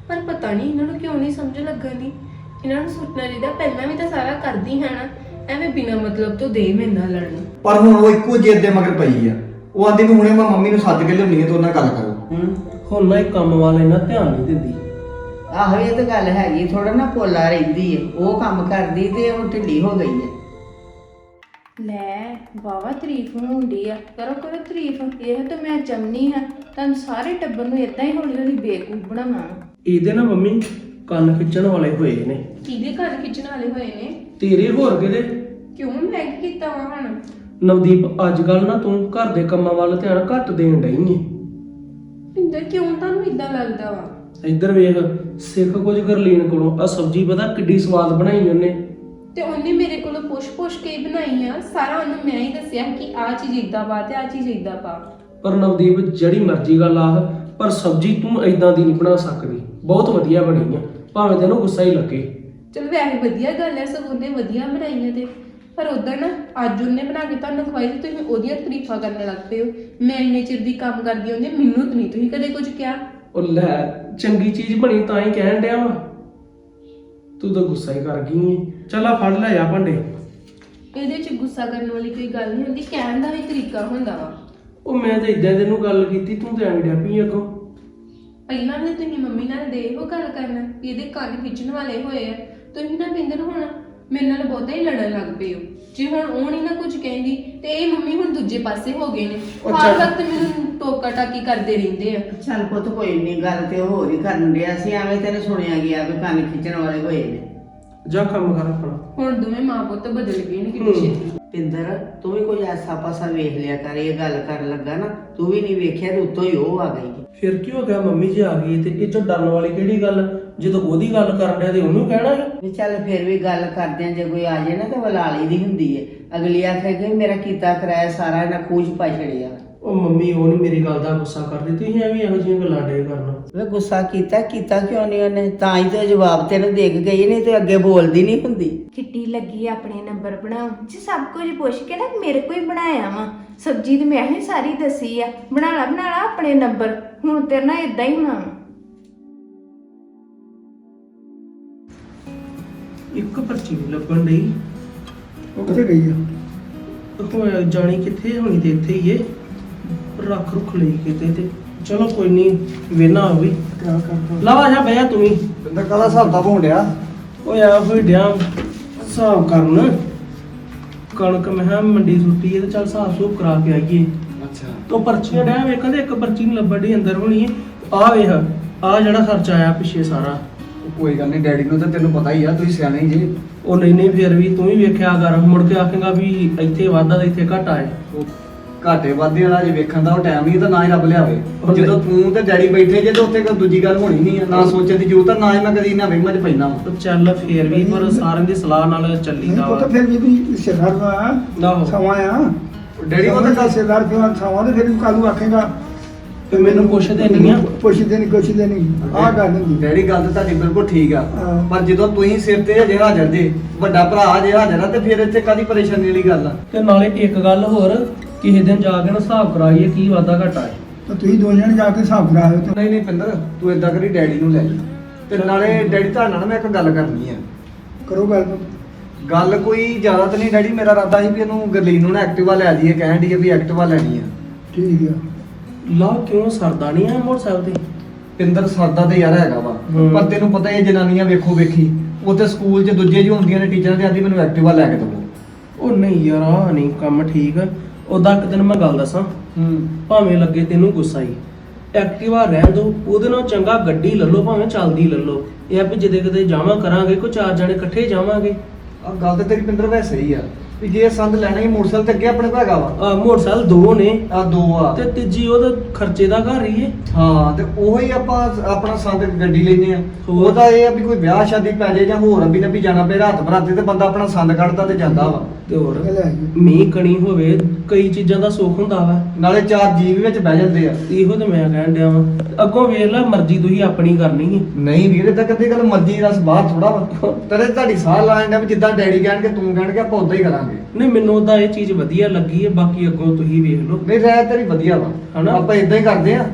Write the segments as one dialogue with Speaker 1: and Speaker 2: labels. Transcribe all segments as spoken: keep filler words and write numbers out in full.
Speaker 1: ਪਰ ਪਤਾ ਨਹੀਂ ਇਹਨਾਂ ਨੂੰ ਕਿਉਂ ਨਹੀਂ ਸਮਝ ਲੱਗਣੀ। ਇਹਨਾਂ ਨੂੰ ਸੋਚਣਾ ਚਾਹੀਦਾ ਪਹਿਲਾਂ ਵੀ ਤਾਂ ਸਾਰਾ ਕਰਦੀ ਹੈ ਨਾ, ਐਵੇਂ ਬਿਨਾਂ ਮਤਲਬ ਤੋਂ ਦੇ ਮੇਰੇ ਨਾਲ ਲੜਨ।
Speaker 2: ਪਰ ਹੁਣ ਉਹ ਇੱਕੋ ਜਿੱਦ ਦੇ ਮਗਰ ਪਈ ਆ। ਉਹ ਆਂਦੀ ਵੀ ਹੁਣੇ ਮੈਂ ਮੰਮੀ ਨੂੰ ਸੱਦ ਕੇ ਲਿਆਉਣੀ ਹੈ ਤੇ ਉਹਨਾਂ ਨਾਲ ਗੱਲ ਕਰੋ।
Speaker 3: ਹੂੰ ਹੁਣ ਨਾ ਇਹ ਕੰਮ ਵਾਲੇ ਨਾ ਧਿਆਨ ਨਹੀਂ ਦਿੰਦੀ।
Speaker 4: ਆਹੋ ਇਹ ਤਾਂ ਗੱਲ ਹੈਗੀ, ਥੋੜਾ ਨਾ ਭੋਲਾ ਰਹਿੰਦੀ ਏ। ਉਹ ਕੰਮ ਕਰਦੀ ਤੇ ਉਹ ਢਿੱਲੀ ਹੋ ਗਈ ਏ।
Speaker 1: ਲੈ ਵਾਵਾ ਤਾਰੀਫ ਹੁੰਦੀ ਆ, ਕਰੋ ਕਰੋ ਤਾਰੀਫ। ਇਹ ਤਾਂ ਮੈਂ ਚਮਨੀ ਹਾਂ, ਤੁਹਾਨੂੰ ਸਾਰੇ ਟੱਬਰ ਨੂੰ ਇਦਾਂ ਹੀ ਹੌਲੀ ਹੌਲੀ ਬੇਵਕੂਫ ਬਣਾਵਾਂ।
Speaker 3: ਇਹਦੇ ਨਾ ਮੰਮੀ ਕੰਨ ਖਿੱਚਣ ਵਾਲੇ ਹੋਏ ਨੇ।
Speaker 1: ਕਿਹਦੇ ਕੰਨ ਖਿੱਚਣ ਵਾਲੇ ਹੋਏ ਨੇ?
Speaker 3: ਤੇਰੇ ਹੋਰ ਕਿਹਦੇ?
Speaker 1: ਕਿਉਂ ਮੈਂ ਕੀ ਕੀਤਾ ਵਾ ਹੁਣ?
Speaker 3: ਨਵਦੀਪ ਅੱਜ ਕੱਲ ਨਾ ਤੂੰ ਘਰ ਦੇ ਕੰਮਾਂ ਵੱਲ ਧਿਆਨ ਘੱਟ ਦੇਣ ਡਈ ਏ।
Speaker 1: ਪਿੰਦਰ ਕਿਉਂ ਤੁਹਾਨੂੰ ਇਦਾਂ ਲੱਗਦਾ ਵਾ?
Speaker 3: ਇੱਧਰ ਵੇਖ, ਸਿੱਖ ਕੁਝ ਗਰਲੀਨ ਕੋਲੋਂ। ਆ ਸਬਜ਼ੀ ਪਤਾ ਕਿੱਡੀ ਸਵਾਦ ਬਣਾਈ ਉਹਨੇ।
Speaker 1: ਤੇ ਉਹਨੇ ਮੇਰੇ ਕੋਲੋਂ ਪੁੱਛ-ਪੁੱਛ ਕੇ ਹੀ ਬਣਾਈ ਆ। ਸਾਰਾ ਉਹਨੂੰ ਮੈਂ ਹੀ ਦੱਸਿਆ ਕਿ ਆਹ ਚੀਜ਼ ਇਦਾਂ ਪਾ ਤੇ ਆਹ ਚੀਜ਼ ਇਦਾਂ ਪਾ।
Speaker 3: ਪਰ ਨਵਦੀਪ ਜਿਹੜੀ ਮਰਜ਼ੀ ਗੱਲ ਆਹ, ਪਰ ਸਬਜ਼ੀ ਤੂੰ ਇਦਾਂ ਦੀ ਨਹੀਂ ਬਣਾ ਸਕਦੀ। ਬਹੁਤ ਵਧੀਆ ਬਣੀ ਆ, ਭਾਵੇਂ ਤੈਨੂੰ ਗੁੱਸਾ ਹੀ ਲੱਗੇ।
Speaker 1: ਚਲ ਵੈਸੇ ਵਧੀਆ ਗੱਲ ਹੈ, ਸਗੋਂ ਉਹਨੇ ਵਧੀਆ ਬਣਾਈ ਹੈ। ਤੇ ਪਰ ਉਧਰ ਨਾ ਅੱਜ ਉਹਨੇ ਬਣਾ ਕੇ ਤੁਹਾਨੂੰ ਖਵਾਈ ਤੇ ਤੁਸੀਂ ਉਹਦੀਆਂ ਤਾਰੀਫਾਂ ਕਰਨ ਲੱਗ ਪਏ ਹੋ। ਮੈਂ ਇੰਨੇ ਚਿਰ ਦੀ ਕੰਮ ਕਰਦੀ ਹੁੰਦੀ, ਮੈਨੂੰ ਤਾਂ ਨਹੀਂ ਤੁਸੀਂ ਕਦੇ ਕੁਝ ਕਿਹਾ।
Speaker 3: ਉਹ ਲੈ ਚੰਗੀ ਚੀਜ਼ ਬਣੀ ਤਾਂ ਹੀ ਕਹਿਣ ਡਿਆ ਵਾ, ਤੂੰ ਤਾਂ ਗੁੱਸਾ ਹੀ ਕਰ ਗਈ ਏ। ਚੱਲ ਆ ਫੜ ਲੈ ਆ ਭਾਂਡੇ।
Speaker 1: ਇਹਦੇ ਚ ਗੁੱਸਾ ਕਰਨ ਵਾਲੀ ਕੋਈ ਗੱਲ ਨਹੀਂ ਹੁੰਦੀ, ਕਹਿਣ ਦਾ ਵੀ ਤਰੀਕਾ ਹੁੰਦਾ ਵਾ।
Speaker 3: ਉਹ ਮੈਂ ਤਾਂ ਇਦਾਂ ਤੈਨੂੰ ਗੱਲ ਕੀਤੀ, ਤੂੰ ਤੇ ਐਵੇਂ ਡਿਆ ਪਈ ਅੱਗੋਂ।
Speaker 1: ਪਹਿਲਾਂ ਵੀ ਤੁਸੀਂ ਮੰਮੀ ਨਾਲ ਦੇ ਇਹੋ ਗੱਲ ਕਰਨਾ ਕਿ ਇਹਦੇ ਕੰਨ ਖਿੱਚਣ ਵਾਲੇ ਹੋਏ ਆ। ਤੁਸੀਂ ਨਾ ਬਿੰਦਰ ਹੁਣ ਮੇਰੇ ਨਾਲ ਬਹੁਤਾ ਹੀ ਲੜਨ ਲੱਗ ਪਏ ਹੋ। ਜੇ ਹੁਣ ਉਹ ਨਹੀਂ ਨਾ ਕੁਝ ਕਹਿੰਦੀ ਤੇ ਇਹ ਮੰਮੀ ਹੁਣ ਦੂਜੇ ਪਾਸੇ ਹੋ ਗਏ ਨੇ। ਹਰ ਵਕਤ ਮੈਨੂੰ ਟੋਕਾ ਟਾਕੀ ਕਰਦੇ ਰਹਿੰਦੇ ਆ।
Speaker 4: ਚੱਲ ਪੁੱਤ ਕੋਈ ਨਹੀਂ, ਗੱਲ ਤੇ ਉਹ ਹੋਰ ਹੀ ਕਰਨ ਡਿਆ ਸੀ। ਐਵੇਂ ਤੈਨੂੰ ਸੁਣਿਆ ਗਿਆ ਵੀ ਕੰਨ ਖਿੱਚਣ ਵਾਲੇ ਹੋਏ ਨੇ।
Speaker 3: ਜਾ ਕੰਮ ਕਰ ਆਪਣਾ।
Speaker 1: ਹੁਣ ਦੋਵੇਂ ਮਾਂ ਪੁੱਤ ਬਦਲ ਗਏ ਨੇ ਕਿੰਨੀ ਛੇਤੀ।
Speaker 4: ਪਿੰਦਰ ਤੂੰ ਵੀ ਕੋਈ ਐਸਾ ਪਾਸਾ ਵੇਖ ਲਿਆ ਕਰ। ਇਹ ਗੱਲ ਕਰਨ ਲੱਗਾ ਨਾ, ਤੂੰ ਵੀ ਨਹੀਂ ਵੇਖਿਆ ਤੇ ਉੱਤੋਂ ਹੀ ਉਹ ਆ ਗਈ।
Speaker 3: ਫਿਰ ਕੀ ਹੋ ਗਿਆ, ਮੰਮੀ ਜੀ ਆ ਗਈ ਤੇ ਇਹ ਚੋਂ ਡਰਨ ਵਾਲੀ ਕਿਹੜੀ ਗੱਲ? ਜਦੋਂ ਉਹਦੀ ਗੱਲ ਕਰਨ ਡਿਆ ਤੇ ਉਹਨੂੰ ਕਹਿਣਾ ਹੈ
Speaker 4: ਵੀ ਚੱਲ ਫਿਰ ਵੀ ਗੱਲ ਕਰਦੇ ਆ, ਜੇ ਕੋਈ ਆ ਜਾਏ ਨਾ ਤੇ ਵਲਾਲੀ ਦੀ ਹੁੰਦੀ ਏ। ਅਗਲੀ ਆਖੇਗੀ ਮੇਰਾ ਕੀਤਾ ਕਰਾਇਆ ਸਾਰਾ ਇਹਨਾਂ ਖੂਜ ਪਾ ਛੜਿਆ।
Speaker 3: ਉਹ ਮੰਮੀ ਉਹ ਨਹੀਂ ਮੇਰੀ ਗੱਲ ਦਾ ਗੁੱਸਾ ਕਰਦੀ, ਤੁਸੀਂ ਐਵੇਂ ਇਹੋ ਜਿਹੀਆਂ ਗੱਲਾਂ ਡੇ ਕਰਨਾ।
Speaker 4: ਵੇ ਗੁੱਸਾ ਕੀਤਾ ਕੀਤਾ ਕਿਉਂ ਨਹੀਂ ਉਹਨੇ? ਤਾਂ ਹੀ ਤੇ ਜਵਾਬ ਤੈਨੂੰ ਦੇ ਕੇ ਗਈ, ਨਹੀਂ ਤੇ ਅੱਗੇ ਬੋਲਦੀ ਨਹੀਂ ਹੁੰਦੀ।
Speaker 1: ਕਿੱਡੀ ਲੱਗੀ ਆਪਣੇ ਨੰਬਰ ਬਣਾਉ ਜੀ, ਸਭ ਕੁਝ ਪੁੱਛ ਕੇ ਨਾ ਮੇਰੇ ਕੋਲ ਹੀ ਬਣਾਇਆ ਵਾ। ਸਬਜ਼ੀ ਤੇ ਮੈਂ ਹੀ ਸਾਰੀ ਦੱਸੀ ਆ, ਬਣਾ ਲਾ ਬਣਾ ਲਾ ਆਪਣੇ ਨੰਬਰ। ਹੁਣ ਤੇਰੇ ਨਾਲ ਇਦਾਂ ਹੀ ਹੋਣਾ।
Speaker 3: ਇੱਕ ਪਰਚੀ ਨਹੀਂ ਲੱਭਣ ਡਈ।
Speaker 2: ਉਹ ਕਿੱਥੇ ਗਈ ਆ?
Speaker 3: ਹੋਇਆ ਜਾਣੀ ਕਿੱਥੇ ਹੋਣੀ ਤੇ ਇੱਥੇ ਹੀ ਏ। ਰੱਖ ਰੁੱਖ ਲਈ ਕਿਤੇ ਤੇ ਚਲੋ ਕੋਈ ਨਹੀਂ, ਵੇਨਾ ਹੋ ਵੀ
Speaker 2: ਕਿਆ ਕਰਦਾ?
Speaker 3: ਲਵਾ ਜਾ ਬਹਿ ਤੂੰ ਵੀ।
Speaker 2: ਬੰਦਾ ਕਾਹਦਾ ਹਿਸਾਬ ਦਾ ਹੋਣ ਡਿਆ?
Speaker 3: ਓਏ ਆ ਹੋਈ ਡਿਆ ਹਿਸਾਬ ਕਰਨ। ਕਣਕ ਮੈਂ ਕਿਹਾ ਮੰਡੀ ਸੁੱਟੀ ਏ ਤੇ ਚੱਲ ਹਿਸਾਬ ਸੂਬ ਕਰਾ ਕੇ ਆਈਏ।
Speaker 2: ਅੱਛਾ।
Speaker 3: ਤੋ ਪਰਚੀਆਂ ਡਿਆ ਵੇਖਣ ਤੇ ਇੱਕ ਪਰਚੀ ਨਹੀਂ ਲੱਭਣ ਡਈ ਅੰਦਰ ਹੋਣੀ ਏ। ਆ ਵੇਖ ਆ ਜਿਹੜਾ ਖਰਚਾ ਆਇਆ ਪਿੱਛੇ ਸਾਰਾ।
Speaker 2: ਕੋਈ ਗੱਲ ਨਹੀਂ, ਡੈਡੀ ਨੂੰ ਤਾਂ ਤੈਨੂੰ ਪਤਾ ਹੀ ਆ, ਤੁਸੀਂ ਸਿਆਣੇ ਹੀ ਜੇ।
Speaker 3: ਉਹ ਨਹੀਂ ਨਹੀਂ ਫਿਰ ਵੀ ਤੂੰ ਵੀ ਵੇਖਿਆ ਕਰ, ਮੁੜ ਕੇ ਆਖੇਗਾ ਵੀ ਇੱਥੇ ਵਾਧਾ ਤੇ ਇੱਥੇ ਘਾਟਾ ਏ।
Speaker 2: ਉਹ ਘਾਟੇ ਵਾਧੇ ਵਾਲਾ ਜੇ ਵੇਖਣ ਦਾ ਉਹ ਟਾਈਮ ਨਹੀਂ ਤਾਂ ਨਾ ਹੀ ਰੱਬ ਲਿਆਵੇ।
Speaker 3: ਉਹ
Speaker 2: ਜਦੋਂ ਤੂੰ ਤੇ ਡੈਡੀ ਬੈਠੇ ਜੇ ਤਾਂ ਉੱਥੇ ਕੋਈ ਦੂਜੀ ਗੱਲ ਹੋਣੀ ਨਹੀਂ ਆ। ਨਾ ਸੋਚਣ ਦੀ ਜ਼ਰੂਰਤ ਆ, ਨਾ ਹੀ ਮੈਂ ਕਦੀ ਇਹਨਾਂ ਵਹਿਮਾਂ 'ਚ ਪੈਂਦਾ ਵਾਂ।
Speaker 3: ਉਹ ਚੱਲ ਫੇਰ ਵੀ ਪਰ ਸਾਰਿਆਂ ਦੀ ਸਲਾਹ ਨਾਲ ਚੱਲੀਦਾ ਵਾ।
Speaker 5: ਤਾਂ ਫਿਰ ਵੀ ਤੂੰ ਸਿਰਦਾਰ ਦਾ
Speaker 3: ਆਹੋ।
Speaker 5: ਸਮਾਂ ਆ।
Speaker 2: ਡੈਡੀ ਉਹ ਤਾਂ ਗੱਲ
Speaker 5: ਸਿਰਦਾਰ ਕਿਉਂ ਸਮਾਂ ਤੇ ਫਿਰ ਕਾਲੂ ਆਖੇਗਾ
Speaker 3: ਤੇ ਮੈਨੂੰ ਪੁੱਛਦੇ ਨਹੀਂ ਆ।
Speaker 5: ਪੁੱਛਦੇ ਨਹੀਂ ਕੁਛਦੇ ਨਹੀਂ। ਆਹ ਗੱਲ ਹੁੰਦੀ।
Speaker 2: ਡੈਡੀ ਗੱਲ ਤਾਂ ਤੁਹਾਡੀ ਬਿਲਕੁਲ ਠੀਕ ਆ,
Speaker 5: ਹਾਂ।
Speaker 2: ਪਰ ਜਦੋਂ ਤੁਸੀਂ ਸਿਰ ਤੇ ਹਜੇ ਹਾਜ਼ਰ ਜੇ, ਵੱਡਾ ਭਰਾ ਜੇ ਹਾਜ਼ਰ ਆ, ਤੇ ਫਿਰ ਇੱਥੇ ਕਾਦੀ ਪਰੇਸ਼ਾਨੀ ਵਾਲੀ ਗੱਲ ਆ?
Speaker 3: ਤੇ ਨਾਲੇ ਇੱਕ ਗੱਲ ਹੋਰ, ਕਿਸੇ ਦਿਨ ਜਾ ਕੇ ਨਾ ਹਿਸਾਬ ਕਰਾਈਏ ਕੀ ਵਾਧਾ ਘਾਟਾ ਹੈ।
Speaker 5: ਤਾਂ ਤੁਸੀਂ ਦੋ ਜਣੇ ਜਾ ਕੇ ਹਿਸਾਬ ਕਰਾਇਓ ਤੇ
Speaker 2: ਨਹੀਂ ਨਹੀਂ ਪਿੰਦਰ, ਤੂੰ ਏਦਾਂ ਕਰੀ ਡੈਡੀ ਨੂੰ ਲੈ ਜਾ। ਤੇ ਨਾਲੇ ਡੈਡੀ ਤੁਹਾਡੇ ਨਾਲ ਮੈਂ ਇੱਕ ਗੱਲ ਕਰਨੀ ਆ।
Speaker 5: ਕਰੋ ਗੱਲ।
Speaker 2: ਗੱਲ ਕੋਈ ਜ਼ਿਆਦਾ ਤਾਂ ਨਹੀਂ ਡੈਡੀ, ਮੇਰਾ ਇਰਾਦਾ ਸੀ ਵੀ ਇਹਨੂੰ ਗਰਲੀਨ ਨੂੰ ਨਾ ਐਕਟਿਵਾ ਲੈ ਜਾਈਏ, ਕਹਿਣ ਦੀ ਵੀ ਐਕਟਿਵਾ ਲੈਣੀ ਆ।
Speaker 5: ਠੀਕ ਆ।
Speaker 3: ਲਾ ਕਿਉਂ ਸਰਦਾ ਨਹੀਂ ਆ ਮੋਟਰਸਾਈਕਲ ਤੇ?
Speaker 2: ਪਿੰਦਰ ਸਰਦਾ ਤੇ ਯਾਰ ਹੈਗਾ ਵਾ,
Speaker 3: ਹੂੰ।
Speaker 2: ਪਰ ਤੈਨੂੰ ਪਤਾ ਹੀ ਹੈ ਜਨਾਨੀਆਂ ਵੇਖੋ ਵੇਖੀ ਉੱਥੇ ਸਕੂਲ 'ਚ ਦੂਜੇ ਜੀ ਹੁੰਦੀਆਂ ਨੇ, ਟੀਚਰਾਂ ਤੇ ਆਂਦੀ ਮੈਨੂੰ ਐਕਟਿਵਾ ਲੈ ਕੇ ਦਿਓ।
Speaker 3: ਉਹ ਨਹੀਂ ਯਾਰ ਆ ਨਹੀਂ ਕੰਮ ਠੀਕ। ਉਦਾਂ ਇੱਕ ਦਿਨ ਮੈਂ ਗੱਲ ਦੱਸਾਂ,
Speaker 2: ਹੂੰ।
Speaker 3: ਭਾਵੇਂ ਲੱਗੇ ਤੈਨੂੰ ਗੁੱਸਾ ਹੀ, ਐਕਟਿਵਾ ਰਹਿਣ ਦੋ, ਉਹਦੇ ਨਾਲ ਚੰਗਾ ਗੱਡੀ ਲੈ ਲਓ, ਭਾਵੇਂ ਚੱਲਦੀ ਲੈ ਲਓ। ਇਹ ਆ ਵੀ ਜਿਹਦੇ ਕਿਤੇ ਜਾਵਾਂ ਕਰਾਂਗੇ, ਕੋਈ ਚਾਰ ਜਣੇ ਇਕੱਠੇ ਜਾਵਾਂਗੇ।
Speaker 2: ਆ ਗੱਲ ਤੇ ਤੇਰੀ ਪਿੰਦਰ ਵੈਸੇ ਹੀ ਆ ਵੀ ਜੇ ਸੰਦ ਲੈਣਾ ਹੀ ਮੋਟਰਸਾਈਕਲ ਤੇ ਅੱਗੇ ਆਪਣੇ ਕੋਲ ਹੈਗਾ ਵਾ।
Speaker 3: ਆ ਮੋਟਰਸਾਈਕਲ ਦੋ ਨੇ
Speaker 2: ਆ ਦੋ ਆ
Speaker 3: ਤੇ ਤੀਜੀ ਉਹਦਾ ਖਰਚੇ ਦਾ ਘਰ ਹੀ ਏ।
Speaker 2: ਹਾਂ, ਤੇ ਉਹੋ ਹੀ ਆਪਾਂ ਆਪਣਾ ਸੰਦ ਗੱਡੀ ਲੈਨੇ ਆ।
Speaker 3: ਹੋਰ।
Speaker 2: ਉਹਦਾ ਇਹ ਆ ਵੀ ਕੋਈ ਵਿਆਹ ਸ਼ਾਦੀ ਪੈ ਜਾਏ ਜਾਂ ਹੋਰ ਅੱਬੀ ਨੱਬੀ ਜਾਣਾ ਪਏ ਰਾਤ ਬਰਾਤੇ, ਤੇ ਬੰਦਾ ਆਪਣਾ ਸੰਦ ਕੱਢਦਾ ਤੇ ਜਾਂਦਾ ਵਾ।
Speaker 3: ਤੇ ਹੋਰ
Speaker 5: ਇਹ ਲੈ ਆਈਏ।
Speaker 3: ਮੀਂਹ ਕਣੀ ਹੋਵੇ, ਕਈ ਚੀਜ਼ਾਂ ਦਾ ਸੁੱਖ ਹੁੰਦਾ ਵਾ।
Speaker 2: ਨਾਲੇ ਚਾਰ ਜੀਵ ਵਿੱਚ ਬਹਿ ਜਾਂਦੇ ਆ।
Speaker 3: ਇਹੋ ਤੇ ਮੈਂ ਕਹਿਣ ਡਿਆ ਵਾਂ, ਅੱਗੋਂ ਵੇਖ ਲੈ ਮਰਜ਼ੀ ਤੁਸੀਂ ਆਪਣੀ ਕਰਨੀ ਹੈ।
Speaker 2: ਨਹੀਂ ਵੀਰ, ਏਦਾਂ ਕਦੇ ਗੱਲ ਮਰਜ਼ੀ ਰਸ ਬਾਹਰ ਥੋੜਾ ਵਾ। ਤੇਰੇ ਤੁਹਾਡੀ ਸਾਹ ਲਾਣ ਦਾ ਵੀ ਜਿੱਦਾਂ ਡੈਡੀ ਕਹਿਣਗੇ ਤੂੰ ਕਹਿਣਗੇ ਆਪਾਂ ਉਦਾਂ ਹੀ ਕਰਾਂਗੇ।
Speaker 3: ਨਹੀਂ ਮੈਨੂੰ ਤਾਂ ਇਹ ਚੀਜ਼ ਵਧੀਆ ਲੱਗੀ ਹੈ, ਬਾਕੀ ਅੱਗੋਂ ਤੁਸੀਂ ਵੇਖ ਲਓ।
Speaker 2: ਨਹੀਂ ਰਹਿ ਤੇਰੀ ਵਧੀਆ ਵਾ,
Speaker 3: ਹਨਾ?
Speaker 2: ਆਪਾਂ ਇਦਾਂ ਹੀ ਕਰਦੇ ਆ।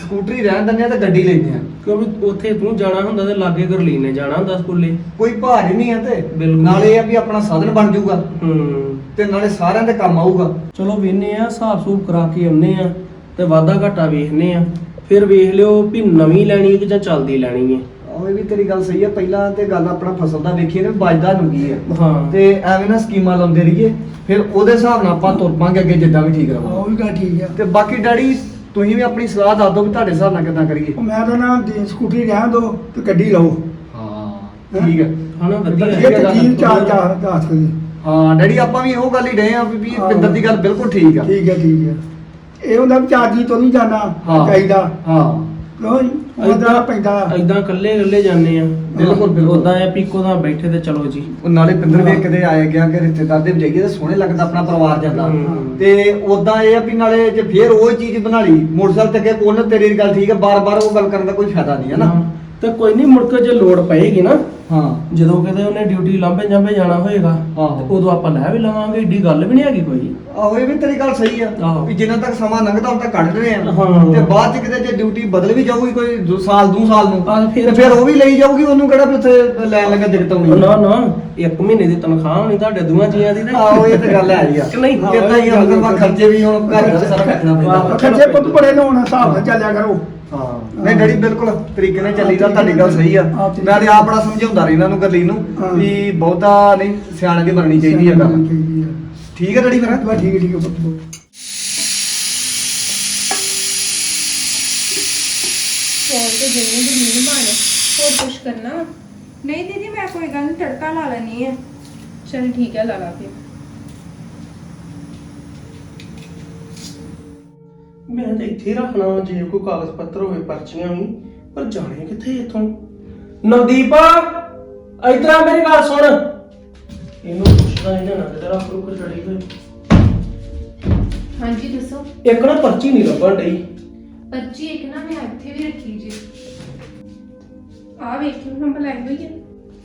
Speaker 2: ਸਕੂਟਰੀ ਰਹਿਣ ਦਿੰਦੇ ਆ ਤੇ ਗੱਡੀ ਲੈਂਦੇ ਆ।
Speaker 3: ਕਿਉਂਕਿ ਉੱਥੇ ਤੂੰ ਜਾਣਾ ਹੁੰਦਾ ਤੇ ਲਾਗੇ ਗਰਲੀਨ ਨੇ ਜਾਣਾ ਹੁੰਦਾ ਸਕੂਲੇ।
Speaker 2: ਕੋਈ ਭਾਰ ਹੀ ਨਹੀਂ ਆ ਤੇ
Speaker 3: ਬਿਲਕੁਲ।
Speaker 2: ਨਾਲੇ ਇਹ ਆ ਵੀ ਆਪਣਾ ਸਾਧਨ ਬਣ ਜਾਊਗਾ
Speaker 3: ਹੂੰ
Speaker 2: ਤੇ ਨਾਲੇ ਸਾਰਿਆਂ ਦੇ ਕੰਮ ਆਊਗਾ।
Speaker 3: ਚਲੋ ਵੇਖਨੇ ਆ, ਹਿਸਾਬ ਸੂਬ ਕਰਾ ਕੇ ਆਉਨੇ ਆ ਤੇ ਵਾਧਾ ਘਾਟਾ ਵੇਖਨੇ ਆ, ਫਿਰ ਵੇਖ ਲਿਓ ਵੀ ਨਵੀਂ ਲੈਣੀ ਹੈ ਕਿ ਜਾਂ ਚੱਲਦੀ ਲੈਣੀ ਹੈ।
Speaker 2: ਉਹ ਵੀ ਤੇਰੀ ਗੱਲ ਸਹੀ ਆ। ਪਹਿਲਾਂ ਤੇ ਗੱਲ ਆਪਣਾ ਫਸਲ ਦਾ ਵੇਖੀਏ ਨਾ, ਬਚਦਾ ਨੂੰ ਕੀ ਆ।
Speaker 3: ਹਾਂ
Speaker 2: ਤੇ ਐਵੇਂ ਨਾ ਸਕੀਮਾਂ ਲਾਉਂਦੇ ਰਹੀਏ, ਫਿਰ ਉਹਦੇ ਹਿਸਾਬ ਨਾਲ ਆਪਾਂ ਤੁਰ ਪਾਂਗੇ ਅੱਗੇ ਜਿੱਦਾਂ ਵੀ ਠੀਕ
Speaker 5: ਆਹ,
Speaker 2: ਰਹੂਗਾ।
Speaker 5: ਉਹ ਵੀ ਗੱਲ ਠੀਕ ਆ।
Speaker 2: ਤੇ ਬਾਕੀ ਡੈਡੀ ਤੁਸੀਂ ਵੀ ਆਪਣੀ ਸਲਾਹ ਦੱਸ ਦਿਓ ਵੀ ਤੁਹਾਡੇ ਹਿਸਾਬ ਨਾਲ ਕਿੱਦਾਂ ਕਰੀਏ।
Speaker 5: ਉਹ ਮੈਂ ਤਾਂ ਨਾ ਦੀ ਸਕੂਟਰੀ ਰਹਿਣ ਦੋ ਤੇ ਗੱਡੀ ਲਓ।
Speaker 2: ਹਾਂ ਠੀਕ ਹੈ।
Speaker 3: ਹਨਾ ਵਧੀਆ
Speaker 5: ਇਹ
Speaker 3: ਹੈ।
Speaker 5: ਤਾਂ ਚੀਜ਼ ਚਾਰ ਚਾਰ ਦੱਸ ਕੇ
Speaker 2: ਹਾਂ ਡੈਡੀ ਆਪਾਂ ਵੀ ਇਹੋ ਗੱਲ ਹੀ ਡਏ ਆ ਵੀ ਵੀ
Speaker 5: ਹਾਂ।
Speaker 2: ਪਿੰਦਰ ਦੀ ਗੱਲ ਬਿਲਕੁਲ ਠੀਕ ਆ।
Speaker 5: ਠੀਕ ਹੈ ਠੀਕ ਹੈ। ਇਹ ਹੁੰਦਾ ਵੀ ਚਾਰ ਜੀ ਤੋਂ ਨਹੀਂ ਜਾਣਾ
Speaker 2: ਹਾਂ।
Speaker 5: ਚਾਹੀਦਾ
Speaker 2: ਹਾਂ
Speaker 5: ਕਿਉਂ ਉਹਦਾ ਪੈਂਦਾ।
Speaker 3: ਏਦਾਂ ਕੱਲੇ ਕੱਲੇ ਜਾਂਦੇ ਆ।
Speaker 2: ਬਿਲਕੁਲ, ਬਿਲਕੁਲ।
Speaker 3: ਉਦਾਂ ਆ ਪੀਕੋ ਦਾ ਬੈਠੇ ਤੇ ਚਲੋ ਜੀ।
Speaker 2: ਉਹ ਨਾਲੇ ਪਿੰਦਰ ਵੇਖ ਕਿਤੇ ਆਏ ਗਿਆ ਕਿ ਰਿਸ਼ਤੇਦਾਰ ਦੇ ਜਾਈਏ ਤੇ ਸੋਹਣੇ ਲੱਗਦਾ ਆਪਣਾ ਪਰਿਵਾਰ ਜਾਂਦਾ।
Speaker 3: ਹੂੰ।
Speaker 2: ਤੇ ਉਦਾਂ ਇਹ ਆ ਵੀ ਨਾਲੇ ਜੇ ਫੇਰ ਉਹ ਚੀਜ਼ ਬਣਾ ਲਈ ਮੋਟਰਸਾਈਕਲ ਤੇ ਅੱਗੇ ਕੋਲ ਤੇਰੀ ਗੱਲ ਠੀਕ ਹੈ, ਬਾਰ-ਬਾਰ ਉਹ ਗੱਲ ਕਰਨ ਦਾ ਕੋਈ ਫਾਇਦਾ ਨਹੀਂ ਹੈ ਨਾ।
Speaker 3: ਤੇ ਕੋਈ ਨਹੀਂ, ਮੁੜ ਕੇ ਜੇ ਲੋੜ ਪਏਗੀ ਨਾ,
Speaker 2: ਹਾਂ
Speaker 3: ਜਦੋਂ ਕਿਤੇ ਉਹਨੇ ਡਿਊਟੀ ਲਾਂਭੇ ਜਾਂਭੇ ਜਾਣਾ ਹੋਏਗਾ
Speaker 2: ਹਾਂ।
Speaker 3: ਤੇ ਉਦੋਂ ਆਪਾਂ ਲੈ ਵੀ ਲਵਾਂਗੇ। ਏਡੀ ਗੱਲ ਵੀ ਨਹੀਂ ਹੈਗੀ ਕੋਈ।
Speaker 2: ਆਹੋ ਇਹ ਵੀ ਤੇਰੀ ਗੱਲ ਸਹੀ ਆ
Speaker 3: ਆਹੋ।
Speaker 2: ਵੀ ਜਿੰਨਾ ਤੱਕ ਸਮਾਂ ਲੰਘਦਾ ਉਦੋਂ ਤੱਕ ਕੱਢ ਰਹੇ ਆ।
Speaker 3: ਹਾਂ।
Speaker 2: ਤੇ ਬਾਅਦ ਚ ਕਿਤੇ ਜੇ ਡਿਊਟੀ ਬਦਲ ਵੀ ਜਾਊਗੀ ਕੋਈ ਦੋ ਸਾਲ ਦੋ ਸਾਲ ਨੂੰ
Speaker 3: ਆਹ ਫਿਰ-
Speaker 2: ਤੇ ਫਿਰ ਉਹ ਵੀ ਲਈ ਜਾਊਗੀ, ਉਹਨੂੰ ਕਿਹੜਾ ਵੀ ਉੱਥੇ ਲੈਣ ਲੱਗਾ ਦਿੱਕਤ ਆਉਣੀ
Speaker 3: ਨਾ ਨਾ, ਇੱਕ ਮਹੀਨੇ ਦੀ ਤਨਖਾਹ ਹੋਣੀ ਤੁਹਾਡੇ ਦੋਵਾਂ ਜੀਆਂ ਦੀ ਤੇ।
Speaker 2: ਆਹੋ ਇਹ ਤੇ ਗੱਲ ਹੈ ਹੀ ਆ।
Speaker 3: ਕਿ ਨਹੀਂ?
Speaker 2: ਕਿੱਦਾਂ ਹੀ ਆ, ਮਤਲਬ ਆ ਖਰਚੇ ਵੀ ਹੁਣ ਘਰ ਦਾ ਸਾਰਾ ਕੱਟਣਾ ਪੈਂਦਾ।
Speaker 5: ਖਰਚੇ ਪੁੱਤ ਬੜੇ ਨੇ ਹੁਣ ਹਿਸਾਬ ਨਾਲ ਚੱਲਿਆ ਕਰੋ।
Speaker 2: ਹਾਂ ਨਹੀਂ ਡੈਡੀ ਬਿਲਕੁਲ ਤਰੀਕੇ ਨਾਲ ਚੱਲੀਦਾ, ਤੁਹਾਡੀ ਗੱਲ ਸਹੀ ਆ।
Speaker 5: ਹਾਂ, ਠੀਕ
Speaker 2: ਮੈਂ ਤੇ ਆਪ ਬੜਾ ਸਮਝਾਉਂਦਾ ਰਹੀ ਇਹਨਾਂ ਨੂੰ ਗੱਲੀ ਨੂੰ
Speaker 5: ਹਾਂ।
Speaker 2: ਵੀ ਬਹੁਤਾ ਨਹੀਂ ਸਿਆਣੇ ਦੀ ਬਣਨੀ ਚਾਹੀਦੀ ਆ ਗੱਲ।
Speaker 5: ਚਾਹੀਦੀ ਆ।
Speaker 2: ਠੀਕ ਹੈ ਡੈਡੀ ਫਿਰ।
Speaker 5: ਬਸ ਠੀਕ ਹੈ ਠੀਕ ਹੈ ਪੁੱਤ।
Speaker 1: ਚੌਲ ਤੇ ਜਿੰਨੇ ਵੀ ਨਹੀਂ ਬਣ, ਹੋਰ ਕੁਝ ਕਰਨਾ ਵਾ?
Speaker 6: ਨਹੀਂ ਦੀਦੀ ਮੈਂ ਕੋਈ ਗੱਲ ਨਹੀਂ, ਤੜਕਾ ਲਾ ਲੈਣੀ ਹੈ।
Speaker 1: ਚਲ ਠੀਕ ਹੈ, ਲਾ ਲਾ ਫਿਰ।
Speaker 3: ਮੈਂ ਤਾਂ ਇੱਥੇ ਰੱਖਣਾ ਵਾ ਜੇ ਕੋਈ ਕਾਗਜ਼ ਪੱਤਰ ਹੋਵੇ, ਪਰਚੀਆਂ ਵੀ, ਪਰ ਜਾਣੇ ਕਿੱਥੇ ਇੱਥੋਂ। ਨਵਦੀਪ ਇਧਰ ਆ, ਮੇਰੀ ਗੱਲ ਸੁਣ। ਇਹਨੂੰ ਪੁੱਛਦਾ ਇਹਨਾਂ ਨਾ ਕਿਤੇ ਰੱਖ ਰੁਕ ਛੜੀ ਹੋਈ।
Speaker 1: ਹਾਂਜੀ ਦੱਸੋ।
Speaker 3: ਇੱਕ ਨਾ ਪਰਚੀ ਨਹੀਂ ਲੱਭਣ ਡਈ।
Speaker 1: ਪਰਚੀ ਇੱਕ ਨਾ ਮੈਂ ਇੱਥੇ ਵੀ ਰੱਖੀ ਜੀ। ਆ ਵੇਖੀ ਮੈਂ ਬੁਲਾਈ ਹੋਈ ਹੈ।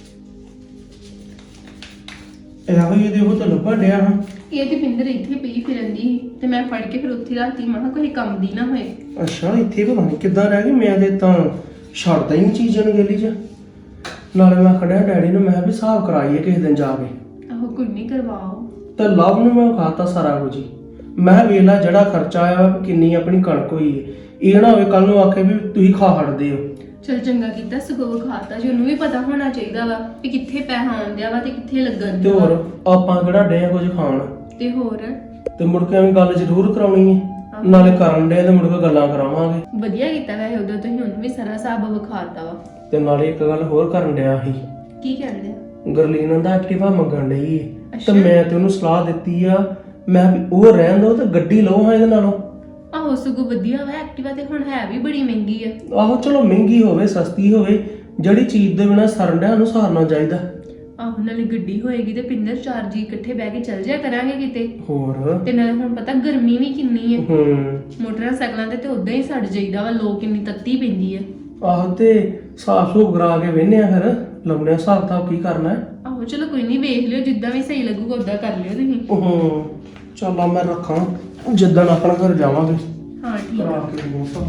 Speaker 3: ਇਹੋ ਇਹਦੇ ਉਹ ਤਾਂ ਲੱਭਣ ਡਿਆ ਹਾਂ।
Speaker 1: ਇਹ ਤੇ ਪਿੰਦਰ ਇੱਥੇ ਪਈ ਫਿਰਨ ਦੀ ਤੇ ਮੈਂ ਫੜ ਕੇ ਫਿਰ ਉੱਥੇ ਰੱਖਤੀ। ਮੈਂ ਕਿਹਾ ਕੋਈ ਕੰਮ ਦੀ ਨਾ ਹੋਏ।
Speaker 3: ਅੱਛਾ ਇੱਥੇ ਪਤਾ ਨਹੀਂ ਕਿੱਦਾਂ ਰਹਿ ਗਈ। ਮੈਂ ਤੇ ਤਾਂ ਛੱਡਦਾ ਹੀ ਨਹੀਂ ਚੀਜ਼ਾਂ ਨੂੰ ਗਲੀ 'ਚ। ਨਾਲੇ ਮੈਂ ਖੜਿਆ ਡੈਡੀ ਨੂੰ, ਮੈਂ ਕਿਹਾ ਵੀ ਹਿਸਾਬ ਕਰਾਈਏ ਕਿਸੇ ਦਿਨ ਜਾ ਕੇ।
Speaker 1: ਆਹੋ ਕੋਈ ਨਹੀਂ, ਕਰਵਾਓ।
Speaker 3: ਤੇ ਲਵ ਨੂੰ ਮੈਂ ਖਾਤਾ ਸਾਰਾ ਕੁਝ ਹੀ। ਮੈਂ ਕਿਹਾ ਵੇਖ ਲਾ ਜਿਹੜਾ ਖਰਚਾ ਆਇਆ ਵਾ, ਕਿੰਨੀ ਆਪਣੀ ਕਣਕ ਹੋਈ ਹੈ। ਇਹ ਨਾ ਹੋਵੇ ਕੱਲ ਨੂੰ ਆਖੇ ਵੀ ਤੁਸੀਂ ਖਾ ਹਟਦੇ ਹੋ।
Speaker 1: ਚਲ ਚੰਗਾ ਕੀਤਾ, ਸਗੋਂ ਖਾਤਾ ਜੀ। ਉਹਨੂੰ ਵੀ ਪਤਾ ਹੋਣਾ ਚਾਹੀਦਾ ਵਾ ਕਿ ਕਿੱਥੇ ਪੈਸਾ ਆਉਂਦਿਆ ਵਾ ਤੇ ਕਿੱਥੇ ਲੱਗਣ
Speaker 3: ਤੇ
Speaker 1: ਦਿਆ
Speaker 3: ਹੋਰ
Speaker 1: ਵਾ।
Speaker 3: ਆਪਾਂ ਕਿਹੜਾ ਡੇ ਕੁਝ ਖਾਣ
Speaker 1: ਤੇ ਹੋਰ
Speaker 3: ਤੇ ਮੁੜ ਕੇ ਐਵੇਂ ਗੱਲ ਜ਼ਰੂਰ ਕਰਾਉਣੀ ਹੈ। ਨਾਲੇ ਕਰਨ ਡੇ ਤੇ ਮੁੜ ਕੇ ਗੱਲਾਂ ਕਰਾਵਾਂਗੇ।
Speaker 1: ਵਧੀਆ ਕੀਤਾ ਵੈਸੇ, ਉਦੋਂ ਤੁਸੀਂ ਉਹਨੂੰ ਵੀ ਸਾਰਾ ਹਿਸਾਬ ਵਿਖਾਤਾ ਵਾ।
Speaker 3: ਤੇ ਨਾਲੇ ਇੱਕ ਗੱਲ ਹੋਰ ਕਰਨ ਡਿਆ ਸੀ।
Speaker 1: ਕੀ ਕਹਿੰਦੇ?
Speaker 3: ਗਰਲੀਨ ਦਾ ਐਕਟਿਵਾ ਮੰਗਣ ਡਈ ਏ। ਤੇ
Speaker 1: ਅੱਛਾ।
Speaker 3: ਮੈਂ ਤੇ ਉਹਨੂੰ ਸਲਾਹ ਦਿੱਤੀ ਆ, ਮੈਂ ਵੀ ਉਹ ਰਹਿਣ ਦੋ ਤੇ ਗੱਡੀ ਲਓ ਹਾਂ ਇਹਦੇ ਨਾਲੋਂ।
Speaker 1: ਆਹੋ ਸਗੋਂ ਵਧੀਆ ਵਾ। ਐਕਟਿਵਾ ਤੇ ਹੁਣ ਹੈ ਵੀ ਬੜੀ ਮਹਿੰਗੀ ਆ।
Speaker 3: ਆਹੋ ਚਲੋ ਮਹਿੰਗੀ ਹੋਵੇ ਸਸਤੀ ਹੋਵੇ, ਜਿਹੜੀ ਚੀਜ਼ ਦੇ ਬਿਨਾਂ ਸਰਨ ਡਿਆ ਉਹਨੂੰ ਸਾਰਨਾ ਚਾਹੀਦਾ।
Speaker 1: ਆਹੋ ਨਾਲੇ ਗੱਡੀ ਹੋਏਗੀ ਤੇ ਪਿੰਦਰ ਚਾਰ ਜੀ ਇਕੱਠੇ ਬਹਿ ਕੇ ਚੱਲ ਜਾਇਆ ਕਰਾਂਗੇ ਕਿਤੇ।
Speaker 3: ਹੋਰ
Speaker 1: ਤੇ ਨਾਲੇ ਹੁਣ ਪਤਾ ਗਰਮੀ ਵੀ ਕਿੰਨੀ ਹੈ।
Speaker 3: ਹੂੰ
Speaker 1: ਮੋਟਰਸਾਈਕਲਾਂ ਤੇ ਤੇ ਉਦਾਂ ਹੀ ਸੜ ਜਾਈਦਾ ਵਾ। ਲੋਕ ਕਿੰਨੀ ਤੱਤੀ ਪੈਂਦੀ ਆ।
Speaker 3: ਆਹੋ ਤੇ ਸਾਫ ਸੂਫ ਕਰਾ ਕੇ ਵੇਹਨੇ ਆ, ਫਿਰ ਲਾਉਣੇ ਆ ਹਿਸਾਬ ਤਾਂ ਕੀ ਕਰਨਾ ਹੈ।
Speaker 1: ਆਹੋ ਚਲੋ ਕੋਈ ਨਹੀਂ, ਵੇਖ ਲਿਓ ਜਿੱਦਾਂ ਵੀ ਸਹੀ ਲੱਗੂਗਾ ਉਦਾਂ ਕਰ ਲਿਓ ਤੁਸੀਂ।
Speaker 3: ਹੂੰ ਚੱਲ ਆ ਮੈਂ ਰੱਖਾਂ, ਜਿੱਦਣ ਆਪਣਾ ਘਰ ਜਾਵਾਂਗੇ
Speaker 1: ਹਾਂ ਠੀਕ
Speaker 3: ਕਰਾ
Speaker 1: ਆ।
Speaker 3: ਕੇ ਮੋਸਾ।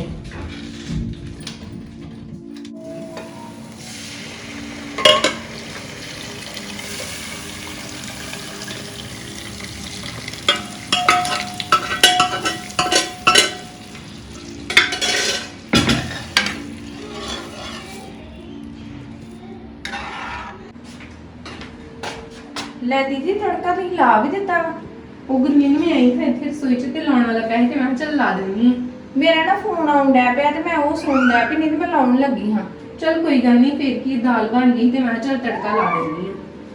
Speaker 6: ਲੈ ਦੀਦੀ ਤੜਕਾ ਤੁਸੀਂ ਲਾ ਵੀ ਦਿੱਤਾ ਵਾ।
Speaker 1: ਉਹ ਗੁਰਮੀਨ ਵੀ ਆਈ ਫਿਰ ਫਿਰ ਸੋਈ ਚ ਤੇ ਲਾਉਣ ਵਾਲਾ ਪਿਆ ਸੀ ਤੇ ਮੈਂ ਕਿਹਾ ਚੱਲ ਲਾ ਦਿੰਨੀ ਆ।
Speaker 6: ਮੇਰਾ ਨਾ ਫੋਨ ਆਉਣ ਡਿਆ ਪਿਆ ਤੇ ਮੈਂ ਉਹ ਸੁਣ ਡਿਆ ਪਈ, ਨਹੀਂ ਤੇ ਮੈਂ ਲਾਉਣ ਲੱਗੀ ਹਾਂ।
Speaker 1: ਚੱਲ ਕੋਈ ਗੱਲ ਨਹੀਂ, ਫਿਰ ਕੀ ਦਾਲ ਬਣ ਗਈ ਤੇ ਮੈਂ ਕਿਹਾ ਚੱਲ ਤੜਕਾ ਲਾ ਦਿੰਨੀ ਆ।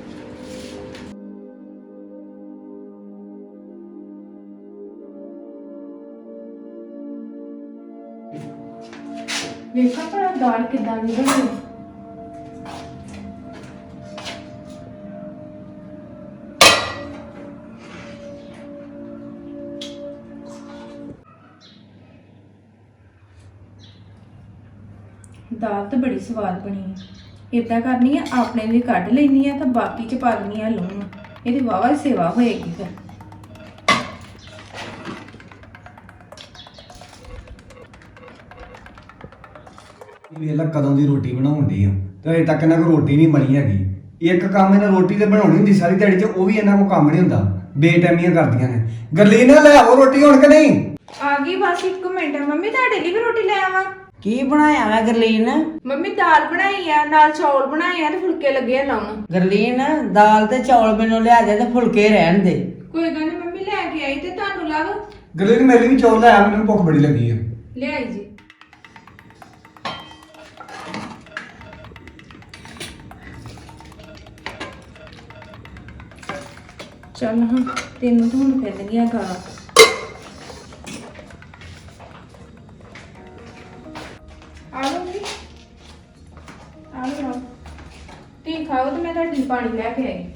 Speaker 1: ਵੇਖਾ ਭਲਾ ਦਾਲ ਕਿੱਦਾਂ ਦੀ ਬਣੀ।
Speaker 6: ਦਾਲ ਤਾਂ ਬੜੀ ਸਵਾਦ ਬਣੀ ਹੈ। ਇਦਾਂ ਕਰਨੀ ਆ, ਆਪਣੇ ਲਈ ਕੱਢ ਲੈਣੀ ਆ ਤਾਂ ਬਾਕੀ ਚ ਪਾ ਲੈਣੀ ਆ ਲੂਣ। ਇਹਦੀ ਵਾਵਾ ਸੇਵਾ ਹੋਏਗੀ ਫਿਰ।
Speaker 2: ਵੇਲਾ ਕਦੋਂ ਦੀ ਰੋਟੀ ਬਣਾਉਣ ਡਈ ਆ ਤੇ ਅਜੇ ਤੱਕ ਇਹਨਾਂ ਕੋਲ ਰੋਟੀ ਨਹੀਂ ਬਣੀ ਹੈਗੀ। ਇੱਕ ਕੰਮ ਇਹਨਾਂ ਰੋਟੀ ਤੇ ਬਣਾਉਣੀ ਹੁੰਦੀ ਸਾਰੀ ਦਿਹਾੜੀ 'ਚ, ਉਹ ਵੀ ਇਹਨਾਂ ਕੋਲ ਕੰਮ ਨਹੀਂ ਹੁੰਦਾ, ਬੇਟੈਮੀਆਂ ਕਰਦੀਆਂ ਨੇ। ਗਰਲੀਨ ਲੈ ਆਵੋ ਰੋਟੀ ਹੁਣ ਕਿ ਨਹੀਂ?
Speaker 6: ਆ ਗਈ ਬਸ ਇੱਕ ਮਿੰਟ। ਮੰਮੀ ਤੁਹਾਡੇ ਲਈ ਵੀ ਰੋਟੀ ਲੈ ਆਵਾਂ?
Speaker 4: ਕੀ ਬਣਾਇਆ ਮੈਂ ਗਰਲੀਨ?
Speaker 6: ਮੰਮੀ ਦਾਲ ਬਣਾਈ ਆ, ਨਾਲ ਚੌਲ ਬਣਾਏ ਆ ਤੇ ਫੁਲਕੇ ਲੱਗੇ ਆ ਲਾਉਣ।
Speaker 4: ਗਰਲੀਨ ਦਾਲ ਤੇ ਚੌਲ ਮੈਨੂੰ ਲਿਆ ਦੇ ਤੇ ਫੁਲਕੇ ਰਹਿਣ ਦੇ।
Speaker 6: ਕੋਈ ਗੱਲ ਨਹੀਂ ਮੰਮੀ, ਲੈ ਕੇ ਆਈ ਤੇ ਤੁਹਾਨੂੰ ਲੱਗ
Speaker 2: ਗਰਲੀਨ ਮੇਰੇ ਲਈ ਵੀ ਚੌਲ ਲੈ ਆ, ਮੈਨੂੰ ਭੁੱਖ ਬੜੀ ਲੱਗੀ ਆ।
Speaker 6: ਲਿਆਈ ਜੀ। ਚੱਲ ਹਾਂ, ਤੈਨੂੰ ਤਾਂ ਹੁਣ ਫਿਰ ਗਿਆ ਗਾ। ਆ ਲਓ ਜੀ, ਆ ਲਓ। ਤੀ ਖਾਓ ਤੇ ਮੈਂ ਤੁਹਾਡੇ ਲਈ ਪਾਣੀ ਲੈ ਕੇ ਆਈ।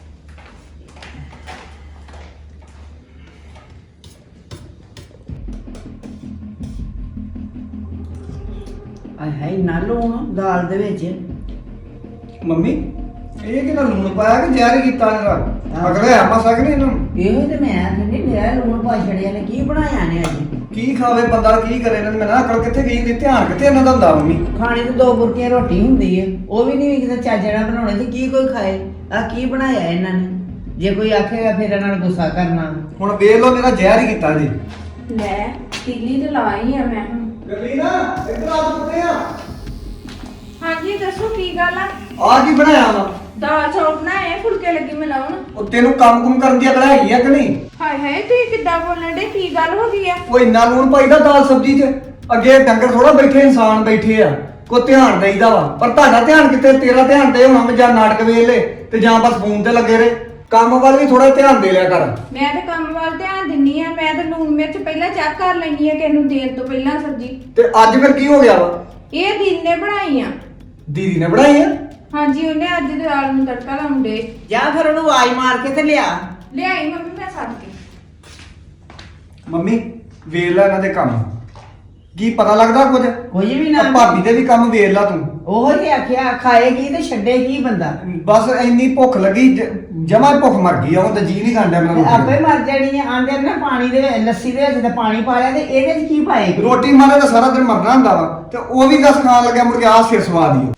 Speaker 4: ਆਏ ਹਾਏ ਨਾ ਲੂਣ ਦਾਲ ਦੇ ਵਿੱਚ।
Speaker 2: ਮੰਮੀ ਇਹ ਕਿਹਦਾ ਲੂਣ ਪਾਇਆ ਕਿ ਜ਼ਹਿਰ ਕੀਤਾ ਇਹਦਾ? ਅਗਲੇ ਆ ਮਸਾ ਕਿ ਨਹੀਂ ਇਹਨੂੰ?
Speaker 4: ਇਹੋ ਤੇ ਮੈਂ ਕਹਿੰਦੀ ਮੇਰਾ ਲੂਣ ਪਾ ਛੜਿਆ ਨੇ। ਕੀ ਬਣਾਇਆ ਨੇ ਅੱਜ?
Speaker 2: ਕੀ ਖਾਵੇ ਬੰਦਾ, ਕੀ ਕਰੇ? ਇਹਨਾਂ ਮੈਂ ਨਾ ਅਕਲ ਕਿੱਥੇ ਗਈ ਹੁੰਦੀ, ਧਿਆਨ ਕਿੱਥੇ ਇਹਨਾਂ ਦਾ ਹੁੰਦਾ? ਮੰਮੀ
Speaker 4: ਖਾਣੇ ਤੇ ਦੋ ਬੁਰਕੀਆਂ ਰੋਟੀ ਹੁੰਦੀ ਹੈ, ਉਹ ਵੀ ਨਹੀਂ ਕਿਤੇ ਚੱਜ ਨਾਲ ਬਣਾਉਣੇ ਤੇ ਕੀ ਕੋਈ ਖਾਏ? ਆ ਕੀ ਬਣਾਇਆ ਇਹਨਾਂ ਨੇ? ਜੇ ਕੋਈ ਆਖੇਗਾ ਫਿਰ ਇਹਨਾਂ ਨੂੰ ਗੁੱਸਾ ਕਰਨਾ।
Speaker 2: ਹੁਣ ਵੇਖ ਲਓ ਮੇਰਾ ਜ਼ਹਿਰ ਹੀ ਕੀਤਾ ਜੀ।
Speaker 6: ਲੈ ਤੀਲੀ ਤੇ ਲਾਈ ਆ ਮੈਂ ਹੁਣ।
Speaker 2: ਗਰਲੀਨਾ ਇੱਧਰ ਆ ਪੁੱਤੇ ਆ।
Speaker 6: ਹਾਂਜੀ ਦੱਸੋ ਕੀ ਗੱਲ ਆ?
Speaker 2: ਆ ਕੀ ਬਣਾਇਆ ਵਾ?
Speaker 6: ਦਾਲ ਚੌਲ ਬਣਾਏ, ਫੁਲਕੇ ਲੱਗੀ ਮਿਲਾਉਣ।
Speaker 2: ਉਹ ਤੈਨੂੰ ਕੰਮ ਕੁਮ ਕਰਨ ਦੀ ਅਕਲ ਹੈਗੀ ਆ ਕਿ ਨਹੀਂ?
Speaker 6: ਹਾਏ ਹਾਏ ਤੁਸੀਂ ਕਿੱਦਾਂ ਬੋਲਣ ਡੇ? ਕੀ ਗੱਲ ਹੋ ਗਈ ਆ?
Speaker 2: ਉਹ ਇੰਨਾ ਲੂਣ ਪਾਈਦਾ ਦਾਲ ਸਬਜ਼ੀ 'ਚ? ਅੱਗੇ ਡੰਗਰ ਥੋੜਾ ਬੈਠੇ, ਇਨਸਾਨ ਬੈਠੇ ਆ, ਕੋ ਧਿਆਨ ਦੇਈਦਾ ਵਾ। ਪਰ ਤੁਹਾਡਾ ਧਿਆਨ ਕਿੱਥੇ? ਤੇਰਾ ਧਿਆਨ ਤੇ ਹੋਣਾ ਜਾਂ ਨਾਟਕ ਵੇਖ ਲੈ ਤੇ ਜਾਂ ਬਸ ਫੋਨ ਤੇ ਲੱਗੇ ਰਹੇ। ਕੰਮ ਵੱਲ ਵੀ ਥੋੜਾ ਧਿਆਨ ਦੇ ਲਿਆ ਕਰ।
Speaker 6: ਮੈਂ ਤੇ ਕੰਮ ਵੱਲ ਧਿਆਨ ਦਿੰਨੀ ਆ। ਮੈਂ ਤੇ ਲੂਣ ਮਿਰਚ ਪਹਿਲਾਂ ਚੈੱਕ ਕਰ ਲੈਣੀ ਆ ਕਿ ਇਹਨੂੰ ਦੇਣ ਤੋਂ ਪਹਿਲਾਂ ਸਬਜ਼ੀ।
Speaker 2: ਤੇ ਅੱਜ ਫਿਰ ਕੀ ਹੋ ਗਿਆ ਵਾ?
Speaker 6: ਇਹ ਦੀਦੀ ਨੇ ਬਣਾਈ ਆ।
Speaker 2: ਦੀਦੀ ਨੇ ਬਣਾਈ ਆ?
Speaker 6: ਹਾਂਜੀ ਉਹਨੇ ਅੱਜ ਦਾਲ ਨੂੰ ਤੜਕਾ ਲਾਉਂਦੇ।
Speaker 4: ਜਾਂ ਫਿਰ ਉਹਨੂੰ ਆਵਾਜ਼ ਮਾਰ ਕੇ ਤੇ ਲਿਆ।
Speaker 6: ਲਿਆਈ ਮੰਮੀ ਮੈਂ ਸੱਦ ਕੇ।
Speaker 2: ਮੰਮੀ ਵੇਖ ਲੈ ਇਹਨਾਂ ਦੇ ਕੰਮ, ਕੀ ਪਤਾ ਲੱਗਦਾ ਕੁਝ?
Speaker 4: ਕੁਝ ਵੀ ਨਾ।
Speaker 2: ਆਹ ਭਾਬੀ ਦੇ ਵੀ ਕੰਮ ਵੇਖ ਲੈ ਤੂੰ।
Speaker 4: ਉਹ ਹੀ ਆਖਿਆ ਖਾਏਗੀ ਤੇ ਛੱਡੇ ਕੀ ਬੰਦਾ?
Speaker 2: ਬਸ ਇੰਨੀ ਭੁੱਖ ਲੱਗੀ, ਜਮਾ ਭੁੱਖ ਮਰ ਗਈ ਆ। ਉਹ ਤਾਂ ਜੀ ਨਹੀਂ ਖਾਂਦਾ
Speaker 4: ਤੇ
Speaker 2: ਮੈਨੂੰ।
Speaker 4: ਆਪੇ ਮਰ ਜਾਣੀ ਆ। ਆਂਦੇ ਨਾ ਪਾਣੀ ਦੇ ਵਿੱਚ ਲੱਸੀ ਦੇ ਵਿੱਚ ਤੇ ਪਾਣੀ ਪਾ ਲਿਆ ਤੇ ਇਹਦੇ ਚ ਕੀ ਪਾਏਗੀ?
Speaker 2: ਰੋਟੀ ਮਾਰੇ ਤਾਂ ਸਾਰਾ ਦਿਨ ਮਰਨਾ ਹੁੰਦਾ ਵਾ, ਤੇ ਉਹ ਵੀ ਦਸ ਖਾਣ ਲੱਗਿਆ ਮੁੜ ਕੇ ਆ ਸਿਰ ਸਵਾਦ ਹੀ।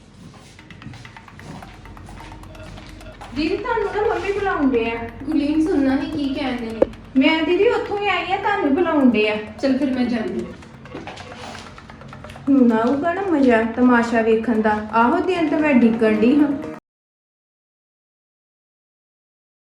Speaker 6: ਦੀਦੀ ਤੁਹਾਨੂੰ ਨਾ ਮੰਮੀ ਬੁਲਾਉਂਦੇ ਆ।
Speaker 1: ਗੁਲੀਨ ਸੁਣਨਾ ਨਹੀਂ ਕੀ ਕਹਿੰਦੇ ਨੇ।
Speaker 6: ਮੈਂ ਦੀਦੀ ਉੱਥੋਂ ਹੀ ਆਈ ਆ, ਤੁਹਾਨੂੰ ਬੁਲਾਉਂਦੇ ਆ।
Speaker 1: ਚਲ ਫਿਰ ਮੈਂ ਜਾਂਦੀ।
Speaker 6: ਹੁਣ ਆਊਗਾ ਨਾ ਮਜ਼ਾ ਤਮਾਸ਼ਾ ਵੇਖਣ ਦਾ। ਆਹੋ ਦਿਨ ਤੇ ਮੈਂ ਡਿੱਗਣ ਡਈ ਹਾਂ।